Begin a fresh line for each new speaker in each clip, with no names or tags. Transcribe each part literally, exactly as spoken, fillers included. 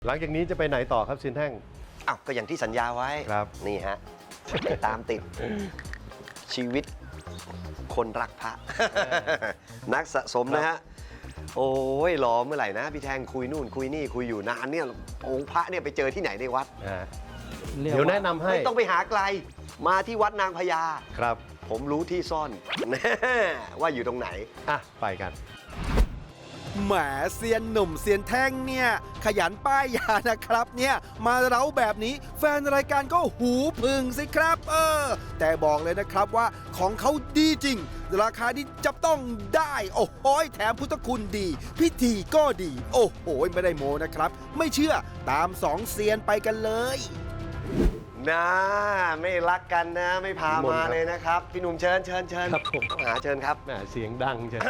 หลังจากนี้จะไปไหนต่อครับเซียนแท่ง
อ้าวก็อย่างที่สัญญาไว้
ครับ
นี่ฮะไปตามติดชีวิตคนรักพระ นักสะสมนะฮะโอ้ยรอเมื่อไหร่นะพี่แทงคุยนู่นคุยนี่คุยอยู่นานเนี่ยองค์พระเนี่ยไปเจอที่ไหนในวัด
เดี๋ยวแนะนำให้
ไม่ต้องไปหาไกลมาที่วัดนางพญา
ครับ
ผมรู้ที่ซ่อน ว่าอยู่ตรงไหน
อ่ะไปกัน
แหมเซียนหนุ่มเซียนแท่งเนี่ยขยันป้ายยานะครับเนี่ยมาเร้าแบบนี้แฟนรายการก็หูพึ่งสิครับเออแต่บอกเลยนะครับว่าของเขาดีจริงราคาที่จับต้องได้โอ้โหแถมพุทธคุณดีพิธีก็ดีโอ้โหไม่ได้โมนะครับไม่เชื่อตามสองเซียนไปกันเลย
นะไม่รักกันนะไม่พามาเลยนะครับพี่หนุ่มเชิญเชิญเชิญ
ครับผม
หาเชิญครับ
แหมเสียงดังเชิญ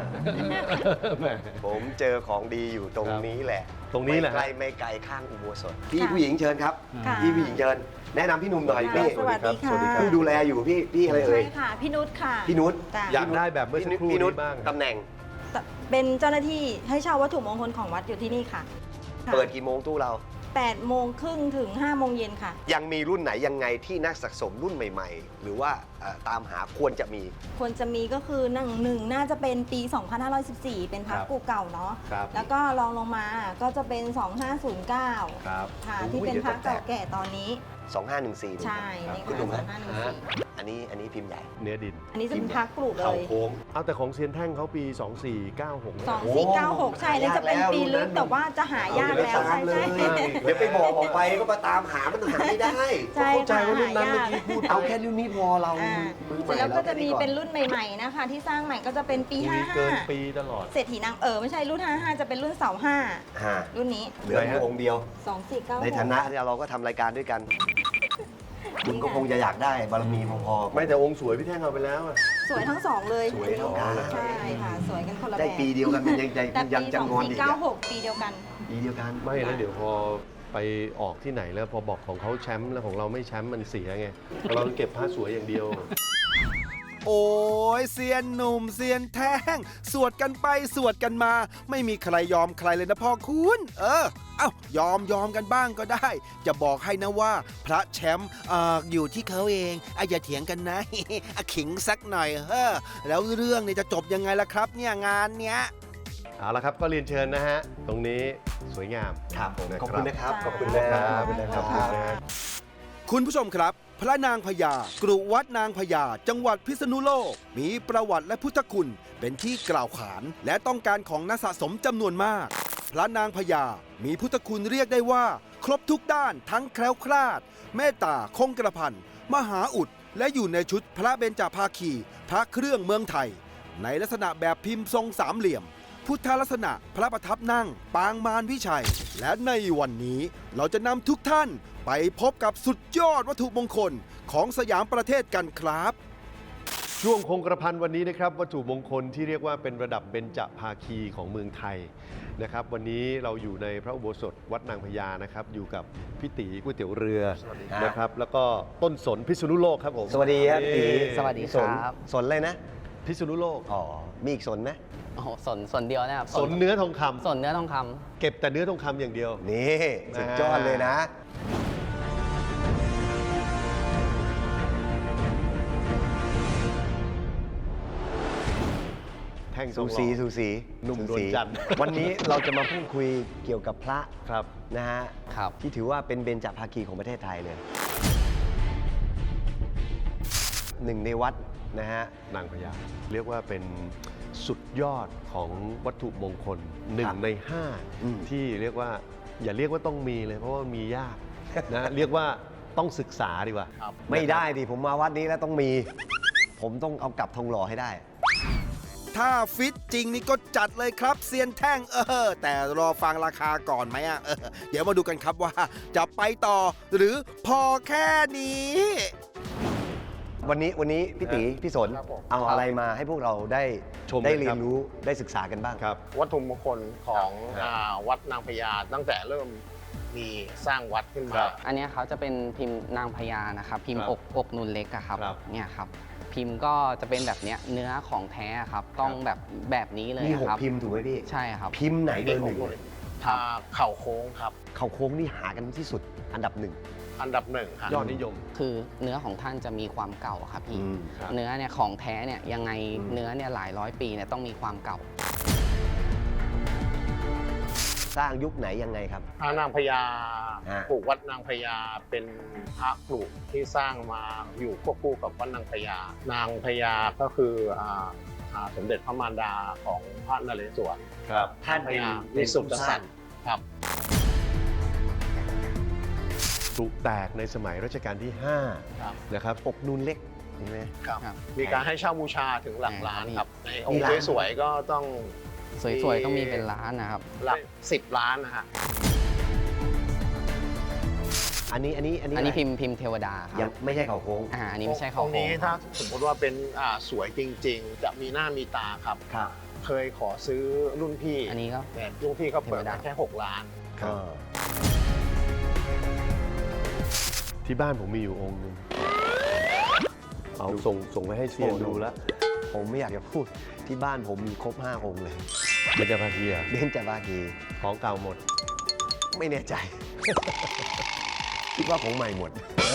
ผมเจอของดีอยู่ตรงนี้แหละ
ตรงนี้แหละ
ไม่ไกลไม่ไกลข้างอุโบสถพี่ผู้หญิงเชิญครับพี่ผู้หญิงเชิญแนะนำพี่หนุ่มหน่อยพี่
สวัสดีค่ะ
ผู้ดูแลอยู่พี่พี่อะไรเอ่ย
ใช่ค่ะพี่นุชค่ะ
พี่นุช
อยากได้แบบเมื่อสักครู่
พี่นุช
นี้บ้าง
ตำแหน่ง
เป็นเจ้าหน้าที่ให้เช่าวัตถุมงคลของวัดอยู่ที่นี่ค่ะ
เปิดกี่โมงตู้เรา
แปดโมงครึ่งถึงห้าโมงเย็นค่ะ
ยังมีรุ่นไหนยังไงที่นักสะสมรุ่นใหม่ๆ หรือว่าตามหาควรจะมี
ควรจะมีก็คือหนึ่งหนึ่งน่าจะเป็นปี สองพันห้าร้อยสิบสี่ เป็นพระกูเก่าเนาะแล้วก็รองลงมาก็จะเป็น สองพันห้าร้อยเก้าค่ะที่เป็นพระเก่าแก่ตอนนี้
สองพันห้าร้อยสิบสี่
ใช่นี่คือสองพันห้าร้อยสิบสี่
อันนี้อันนี้พิมพ์ใหญ่
เนื้อดิน
อันนี้จะเป็นพระกรุเลย
เข่าโค้ง
เอาแต่ของเซียนแท่งเขาปีสองสี่เก้าหก
สองสี่เก้าหกใช่นี่จะเป็นปีลึกแต่ว่าจะหายากแล้วใช่ใช่
เดี๋ยวไปบอกออกไปก็มาตามหามันหาไม่ได้
ใช่
เข้าใจว่ารุ่นนั้นเมื่อกี้พูด
เอาแค่รุ่นนี้พอเรา
เสร็จแล้วก็จะมีเป็นรุ่นใหม่ๆนะคะที่สร้างใหม่ก็จะเป็นปีห้าห้า
เกินปีตลอด
เศรษฐีนางเออไม่ใช่รุ่นห้าห้าจะเป็นรุ่นเสาห้ารุ่นนี้
เหลืออยู่องค์เดียว
สองสี่เก้า
ในฐานะที่เราก็ทำรายการด้วยกันคุณก็คงจะอยากได้บารมีพอ
ๆไม่แต่องค์สวยพี่แท่งเอาไปแล้ว
สวยทั้งสองเลย
สวยทั้งกัน
ใช่ค่ะสวยกันคนละแบบ
ได้ปีเดียวกันยังยังยังจำนวนอีก
เก้าหกปีเดียวกัน
ปีเดียวกัน
ไม่แล้วเดี๋ยวพอไปออกที่ไหนแล้วพอบอกของเขาแชมป์แล้วของเราไม่แชมป์มันเสียไงเราเก็บผ้าสวยอย่างเดียว
โอ้ยเซียนหนุ่มเซียนแท่งสวดกันไปสวดกันมาไม่มีใครยอมใครเลยนะพ่อคุณเออเอ้ายอมยอมกันบ้างก็ได้จะบอกให้นะว่าพระแชมป์ออยู่ที่เขาเองอ่ะอย่าเถียงกันนะ ขิงสักหน่อยเฮ้อแล้วเรื่องเนี่ยจะจบยังไงล่ะครับเนี่ยงานเนี้ย
เอาละครับก็เรียนเชิญนะฮะตรงนี้สวยงาม
ครับผมขอบคุณนะครับ
ขอบคุณนะครับขอบคุณนะ
คุณผู้ชมครับพระนางพญากรุวัดนางพญาจังหวัดพิษณุโลกมีประวัติและพุทธคุณเป็นที่กล่าวขานและต้องการของนักสะสมจำนวนมากพระนางพญามีพุทธคุณเรียกได้ว่าครบทุกด้านทั้งแคล้วคลาดเมตตาคงกระพันมหาอุดและอยู่ในชุดพระเบญจภาคีพระเครื่องเมืองไทยในลักษณะแบบพิมพ์ทรงสามเหลี่ยมพุทธลักษณะพระประทับนั่งปางมารวิชัยและในวันนี้เราจะนำทุกท่านไปพบกับสุดยอดวัตถุมงคลของสยามประเทศกันครับ
ช่วงคงกระพันวันนี้นะครับวัตถุมงคลที่เรียกว่าเป็นระดับเบญจภาคีของเมืองไทยนะครับวันนี้เราอยู่ในพระอุโบสถวัดนางพญานะครับอยู่กับพี่ตีก๋วยเตี๋ยวเรือนะครับแล้วก็ต้นสนพิษณุโลกครับผม
สวัสดีครับตี
สวัสดีครับ
สนเลยนะ
พิษณุโลก
อ๋อมีอีกสนไหม
โอ้โหสนสนเดียวนะครับ
สนเนื้อทองคำ
สนเนื้อทองคำ
เก็บแต่เนื้อทองคำอย่างเดียว
นี่สุดยอดเลยนะ
แท่ง
สูสีสูสี
หนุ่มดวงจันทร์
วันนี้เราจะมาพูดคุยเกี่ยวกับพระ
ครับ
นะฮะ
ครับ
ที่ถือว่าเป็นเบญจภาคีของประเทศไทยเลยหนึ่งในวัดนะฮะ
นางพญาเรียกว่าเป็นสุดยอดของวัตถุมงคลหนึ่งในห้าที่เรียกว่าอย่าเรียกว่าต้องมีเลยเพราะว่ามียากนะเรียกว่าต้องศึกษาดีกว่า
ไม่ได้ดิผมมาวัดนี้แล้วต้องมีผมต้องเอากลับทองหล่อให้ได้
ถ้าฟิตจริงนี่ก็จัดเลยครับเซียนแท่งเออแต่รอฟังราคาก่อนไหมอ่ะเออเดี๋ยวมาดูกันครับว่าจะไปต่อหรือพอแค่นี้
วันนี้วันนี้พี่ตีพี่สนเอาอะไรมาให้พวกเราได้ชมได้เรียนรู้ได้ศึกษากันบ้าง
ครับ
วัตถุมงคลของวัดนางพญาตั้งแต่เริ่มมีสร้างวัดขึ้นมา
อันนี้เขาจะเป็นพิมพ์นางพญานะครับพิมพ์อกอกนูนเล็กอะครับเนี่ยครับพิมพ์ก็จะเป็นแบบเนี้ยเนื้อของแท้ครับต้องแบบแบบนี้เลย
มีหก
ครับ
พิมพ์ถูกไหมพี่
ใช่ครับ
พิมพ์ไหนเบอร์หนึ่ง
ครับ
อ่าเข่าโค้งครับ
เข่าโค้งนี่หากันที่สุดอันดับหนึ่ง
อันดับหนึ่งครับ
ยอดนิยม
คือเนื้อของท่านจะมีความเก่าครับพี่
อืม
ครับ
เนื้อเนี่ยของแท้เนี่ยยังไง
อืม
เนื้อเนี่ยหลายร้อยปีเนี่ยต้องมีความเก่า
สร้างยุคไหนยังไงครับ
พระนางพญา
ฮะ
ปลูกวัดนางพญาเป็นพระปลูกที่สร้างมาอยู่ควบคู่กับวัดนางพญานางพญาก็คืออ่าอ่าสมเด็จพระมารดาของพระนเรศวร
ครับ
ท่าน
พ
เป็น
ญา
เป็
วิ
น
สุท
ผู้
ธิ
ส
สั
ร้าง
ตว์ครับ
ปลุกแตกในสมัยรัชกาลที่ห้า
ครับ
นะครับ
อกนูนเล็กเห็นไหม
ครับ
ครับ
มีการให้เช่าบูชาถึงหลักล้านครับ ในอง
มี
ค์
ล้าน
สวยๆก็ต้อง
สวยๆต้องมีเป็นล้านนะครับ
หลักสิบล้านนะฮะ
อันนี้อันนี้อันนี้
อันนี้
ะไร
พิมพ์พิมพ์เทวดาค
ยั
รั
ง
บ
ไม่ใช่เข่าโค้ง
อ่าอันนี้ไม่ใช่
ต
เขา
รง
โค้
นี้
งค
ถ้า
รับ
สมมติว่าเป็นอ่าสวยจริง ๆ จะมีหน้ามีตาครับ
ครับ
เคยขอซื้อรุ่นพี่
อันนี้ก็
แต่รุ่นพี่เขาเปิด
เทวดา
มาแค่หกล้าน
ครับ
เออ
ที่บ้านผมมีอยู่องค์หนึงเอาส่งส่งไปให้เซียนดูแล้ว
ผมไม่อยากจะพูดที่บ้านผมมีครบห้าองค์เลย
เบญจภาคีอะ
เบญจภาคี
ของเก่าหมด
ไม่แน่ใจ คิดว่าของใหม่หมด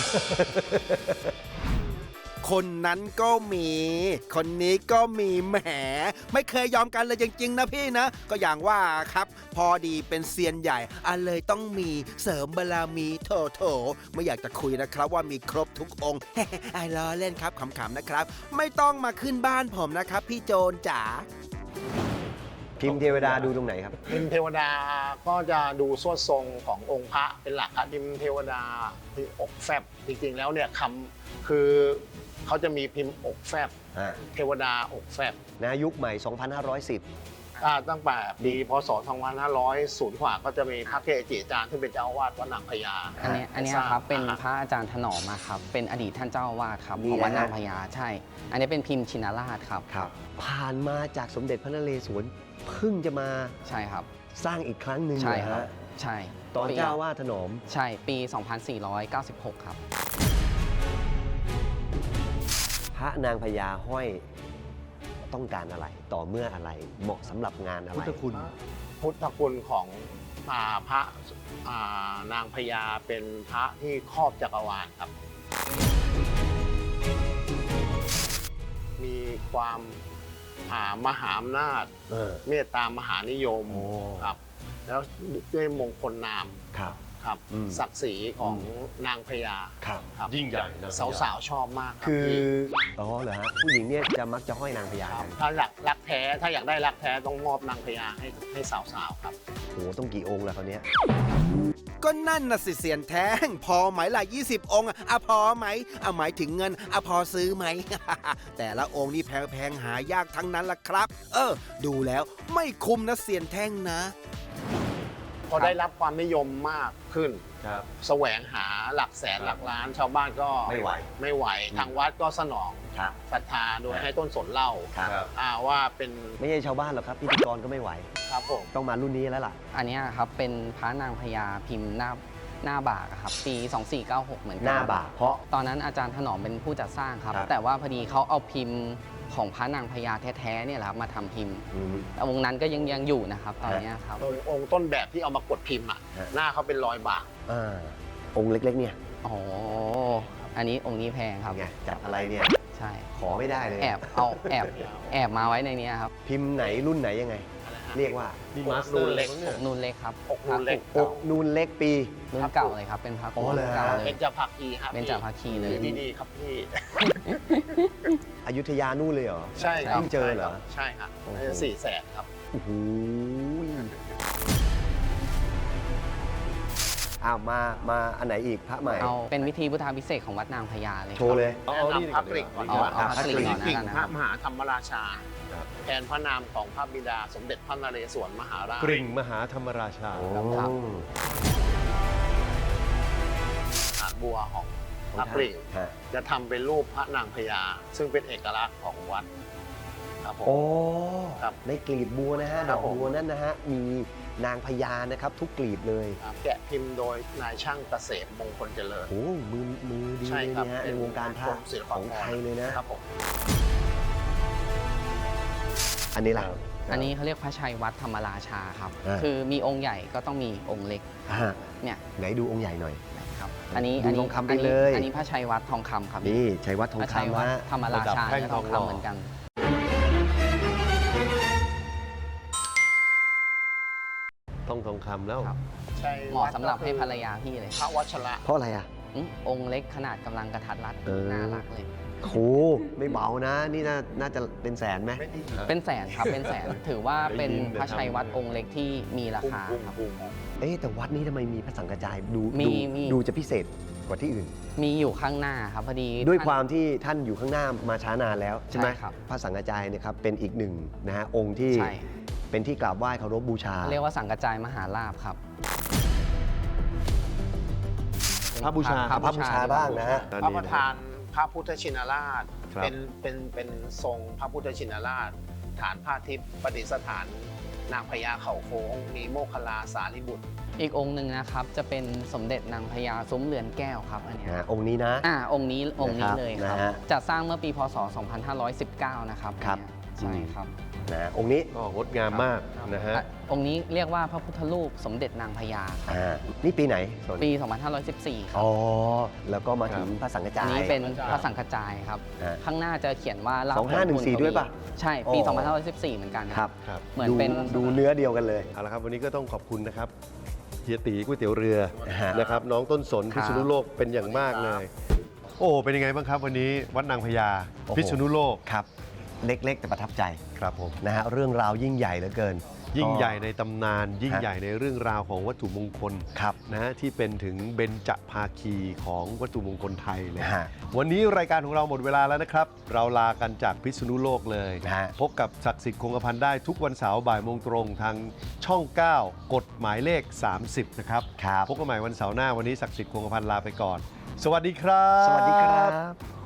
คนนั้นก็มี คนนี้ก็มีแหม ไม่เคยยอมกันเลยจริงๆนะพี่นะ ก็อย่างว่าครับ พอดีเป็นเซียนใหญ่อันเลยต้องมีเสริมบารมีโถโถไม่อยากจะคุยนะครับว่ามีครบทุกองค์ ไอ้ล้อเล่นครับขำๆนะครับ ไม่ต้องมาขึ้นบ้านผมนะครับ พี่โจรจ๋า
พิมพ์เทวดาดูตรงไหนครับ
พิมพ์เทวดาก็จะดูสวดทรงขององค์พระเป็นหลักครับพิมพ์เทวดาที่อกแฟบจริงๆแล้วเนี่ยคำคือเขาจะมีพิมพ์อกแฟบ
อ่า
เทวดาอกแฟบ
นะยุคใหม่ สองพันห้าร้อยสิบ
อ่าตั้งแต่ปีพศสองพันห้าร้อยศูนย์กว่าก็จะมีพระเกจิอาจารย์ที่เป็นเจ้าอาวาสวัดนางพญา
อันเนี้ยอันเนี้ย
สร้าง
ครับเป็น
อ่า
พระอาจารย์ถนอมมาครับเป็นอดีตท่านเจ้าอาวาสครับ
นี่
ของวัด
นะฮะ
นางพญาใช่ อันนี้เป็นพิมพ์ชินราชครับ
ครับ ผ่านมาจากสมเด็จพระนเรศวรเพิ่งจะมา
ใช่ครับ
สร้างอีกครั้งหนึ่ง
ใช่
เหอ
ครับ
ฮะ
ใช่
ตอน
ปี
เจ้าว่าถนอม
ใช่ปี สองพันสี่ร้อยเก้าสิบหก ครับ
พระนางพญาห้อยต้องการอะไร ต่อเมื่ออะไร เหมาะสำหรับงานอะไร
พุทธคุณ
พุทธคุณของอ่าพระอ่านางพญาเป็นพระที่ครอบจักรวาลครับ มีความอ่ามหาอำนาจ
เออ
เมตตามหานิยม
โอ้
ครับ แล้วด้วยมงคลนาม
ครับ
ครับ
อืม
ศักดิ์ศรีของนางพญา
ครับ
ครับ
ยิ่งใหญ่นะ
สาวๆชอบมากรับ
คือ
พี่
อ๋อเหรอฮะ ผู้หญิงเนี่ยจะมักจะห้อยนางพญา
ครั
กับ น
ถ้าอยากรักแท้ถ้าอยากได้รักแท้ต้องมอบนางพญาให้ให้สาวๆครับ
โอ้โหต้องกี่องค์แล้วคราวเนี้ย
ก็นั่นน่ะสิเสียนแท้งพอไหมล่ะยี่สิบองค์อะอะพอไหมอะหมายถึงเงินอะพอซื้อไหม แต่ละองค์นี่แพงๆหายากทั้งนั้นล่ะครับ เออ ดูแล้วไม่คุ้มนะเสียนแท่งนะ
พอได้รับความนิยมมากขึ้น
ครับ
แสวงหาหลักแสนหลักล้าน ชาวบ้านก็
ไม่ไหว
ไม่ไหวทางวัดก็สนอง
ครับ
ศรัทธาโดยให้ต้นสนเหล่า
ครับ
อ่าว่าเป็น
ไม่ใช่ชาวบ้านหรอกครับพิธีกรก็ไม่ไหว
ครับผม
ต้องมารุ่นนี้แล้วล่ะ
อันเนี้ยครับเป็นพระนางพญาพิมพ์หน้าหน้าบากอะครับปี สองสี่เก้าหก เหมือนกั
หน้าบากเพราะ
ตอนนั้นอาจารย์ถนอมเป็นผู้จัดสร้างครับ
ครับ
แต่ว่าพอดีเขาเอาพิมพ์ของพระนางพญาแท้ๆเนี่ยแหละครับมาทำพิมพ์
อืม
แต่วงนั้นก็ยังยังอยู่นะครับ ตอนเนี้ยครับ
โดยองค์ต้นแบบที่เอามากดพิมพ์อ่ะ
ฮะ
หน้าเขาเป็นรอยบาก
อ่าองค์เล็กๆเนี่ย
อ๋อ อันนี้องค์นี้แพงครับ
ไงจับอะไรเนี่ย
ใช่
ขอไม่ได้เลย
แอบเอาแอบแอบมาไว้ในเนี้ยครับ
พิมพ์ไหนรุ่นไหนยังไง เรียกว่า
นี่
อก
มาสเต
นู
อร์
นเล็ก
เนี่ย
นูนเล็กครับ
อกนูนเล็ก
พระ
อกนูนเล็กปี
รุ่นเก่าเลยครับ เป็นพระ
อ๋อเหรอ
เก่าเล
เป็
ย
นจะพักอีครับ
เป็นจาภาคีเลย
ที่ดีครับพี่
อยุธยานู่นเลยเหรอ
ใช่ครับ
เพิ่งเจอเหรอ
ใช่ครับ
โอ้โห
สี่แสนครับ
โอ้โหอ้าวมามาอันไหนอีกพระใหม่
เอาเป็นวิธีพุทธาพิเศษกของวัดนางพญาเลย
โชว์เลย
เอา
แนะ
เอานี่
นำพระกริ่งก่อน
เอา
ดีกว่า
เอาพระกริ่งก่อน
กริ่ง
นะ
พ
ค
ระ
รับ
มหาธรรมราชา
ครับ
แทนพระนามของพระบิดาสมเด็จพระนเรศวรมหาราช
กริ่งมหาธรรมราชา
โอ้
ครับ
ฐานบัวของ
ข
พ
อง
ระ
ท่าน
กริ่ง
ฮะ
จะทำเป็นรูปพระนางพญาซึ่งเป็นเอกลักษณ์ของวัดครับผม
โอ้
ครับ
ในกลีบบัวนะฮะ
ค
ด
รั
อบ ก
ผม
บัวนั่นนะฮะ มีนางพญานะครับ ทุกกลีบเลย
ครับแกะพิมพ์โดยนายช่างเกษมมงคลเจริญ
โอ้มือมือดี
ใช่
เลย
ครับ
เนี่ยฮะ
เป็
ใน
น
วงการพระ
กรมศิล
ข
ปากร
องไทยเลยนะ
ครับผม
อันนี้ล่ะ
ครับ
อันนี้เขาเรียกพระชัยวัดธรรมราชาครับ
อ่า
คือมีองค์ใหญ่ก็ต้องมีองค์เล็ก
อ่า
เนี่ย
ไหนดูองค์ใหญ่หน่อย
ครับอันนี้
ดู
อันนี้
ทองคำไป
อันนี้
เลย
อันนี้พระชัยวัดทองคำครับ
นี่ชัยวัดทอง
พระชัย
คำ
วัด
ฮะ
ธรรมราชา
ระดับแท่ง
เนี่ยทอง
ทองหล่อ
คำเหมือนกัน
ต้องทองคำแล้ว
ครับ
ใช่
เหมาะสำหรับให้ภรรยาพี่เลย
พระวัชระ
เพราะอะไรอ่ะ
อืมองค์เล็กขนาดกำลังกระทัดรัด
เออ
น่ารักเลย
โหไม่เบานะ นี่น่าน่าจะเป็นแสนไหม
เป็นแสนครับเป็นแสนถือว่าเป็น
ได้ยินแต่
พระชัยวัด
ทำ
องค์เล็กที่มีราคาครับ
เอ๊ะแต่วัดนี้ทำไมมีพระสังฆจายดู
มี
ดู
มี
ดูจะพิเศษกว่าที่อื่น
มีอยู่ข้างหน้าครับพอดี
ด้วย
ท่น
ความที่ท่านอยู่ข้างหน้ามาช้านานแล้วใช่ไหม
ใช่ครับ
พระสังฆจายเนี่ยครับเป็นอีกหนึ่งนะฮะองค์ที่
ใช่
เป็นที่กราบไหว้เคารพบูชา
เรียกว่าสังกระจายมหาลาภครับ
พระบูชา
พระบูชาบ้างนะฮะ
พระประธานพระพุทธชินราช
ครับ
เป็นเป็นเป็นทรงพระพุทธชินราช ฐานผ้าทิพย์ประดิษฐานนางพญาเขาโค้งมีโมคคัลลาสารีบุตร
อีกองค์หนึ่งนะครับจะเป็นสมเด็จนางพญาซุ้มเรือนแก้วครับอันเนี้ย
นะฮะองค์นี้นะ
อ่าองค์นี้องค์นี้
นะครับ
เลยครับ
นะฮะ
จะสร้างเมื่อปีพศ สองพันห้าร้อยสิบเก้า นะครับ
ครับ
อันเนี้ยใช่ครับ
นะฮะองค์นี้
ก็งดงามมากนะฮะ
อ่ะองค์นี้เรียกว่าพระพุทธรูปสมเด็จนางพญาครับ
อ่านี่ปีไหนสน
ปี สองพันห้าร้อยสิบสี่ ครับ
อ๋อแล้วก็มาถึง
ครับ
พระสังฆ
อั
จาน ย
นี้เป็นพระสังฆจายครับ
ฮะ
ข้างหน้าจะเขียนว่าลาภ
สองห้าหนึ่งสี่
ผลบุญ
ด้วยปะ
ใช่ปี
อ๋อ
สองพันห้าร้อยสิบสี่ เหมือนกัน
ครับ
ครับ
เหมือน
ดู
เป็น
ดูเนื้อเดียวกันเลย
เอาละครับวันนี้ก็ต้องขอบคุณนะครับเฮียตีก๋วยเตี๋ยวเรือ
ฮะ
นะครับน้องต้นสน
ครั
พิ
บ
ษณุโลกเป็นอย่างมากเลย โอ้เป็นยังไงบ้างครับวันนี้วัดนางพญา
โอ้โห
พิษณุโลก
ครับเล็กๆ แต่ประทับใจ
ครับผม
นะฮะเรื่องราวยิ่งใหญ่เหลือเกิน
ยิ่งใหญ่
ก็
ในตำนาน ยิ่ง
ฮะ
ใหญ่ในเรื่องราวของวัตถุมงคล
ครับ
นะฮะที่เป็นถึงเบญจภาคีของวัตถุมงคลไทยเลย
ฮะ
วันนี้รายการของเราหมดเวลาแล้วนะครับ เราลากันจากพิษณุโลกเลย
ฮะ
พบกับศักดิ์สิทธิ์คงกระพันได้ทุกวันเสาร์บ่ายโมงตรงทางช่อง เก้า กฎหมายเลข สามสิบ นะครับ
ครับ
พบกันใหม่วันเสาร์หน้าวันนี้ศักดิ์สิทธิ์คงกระพันลาไปก่อน สวัสดีครับ
สวัสดีครับ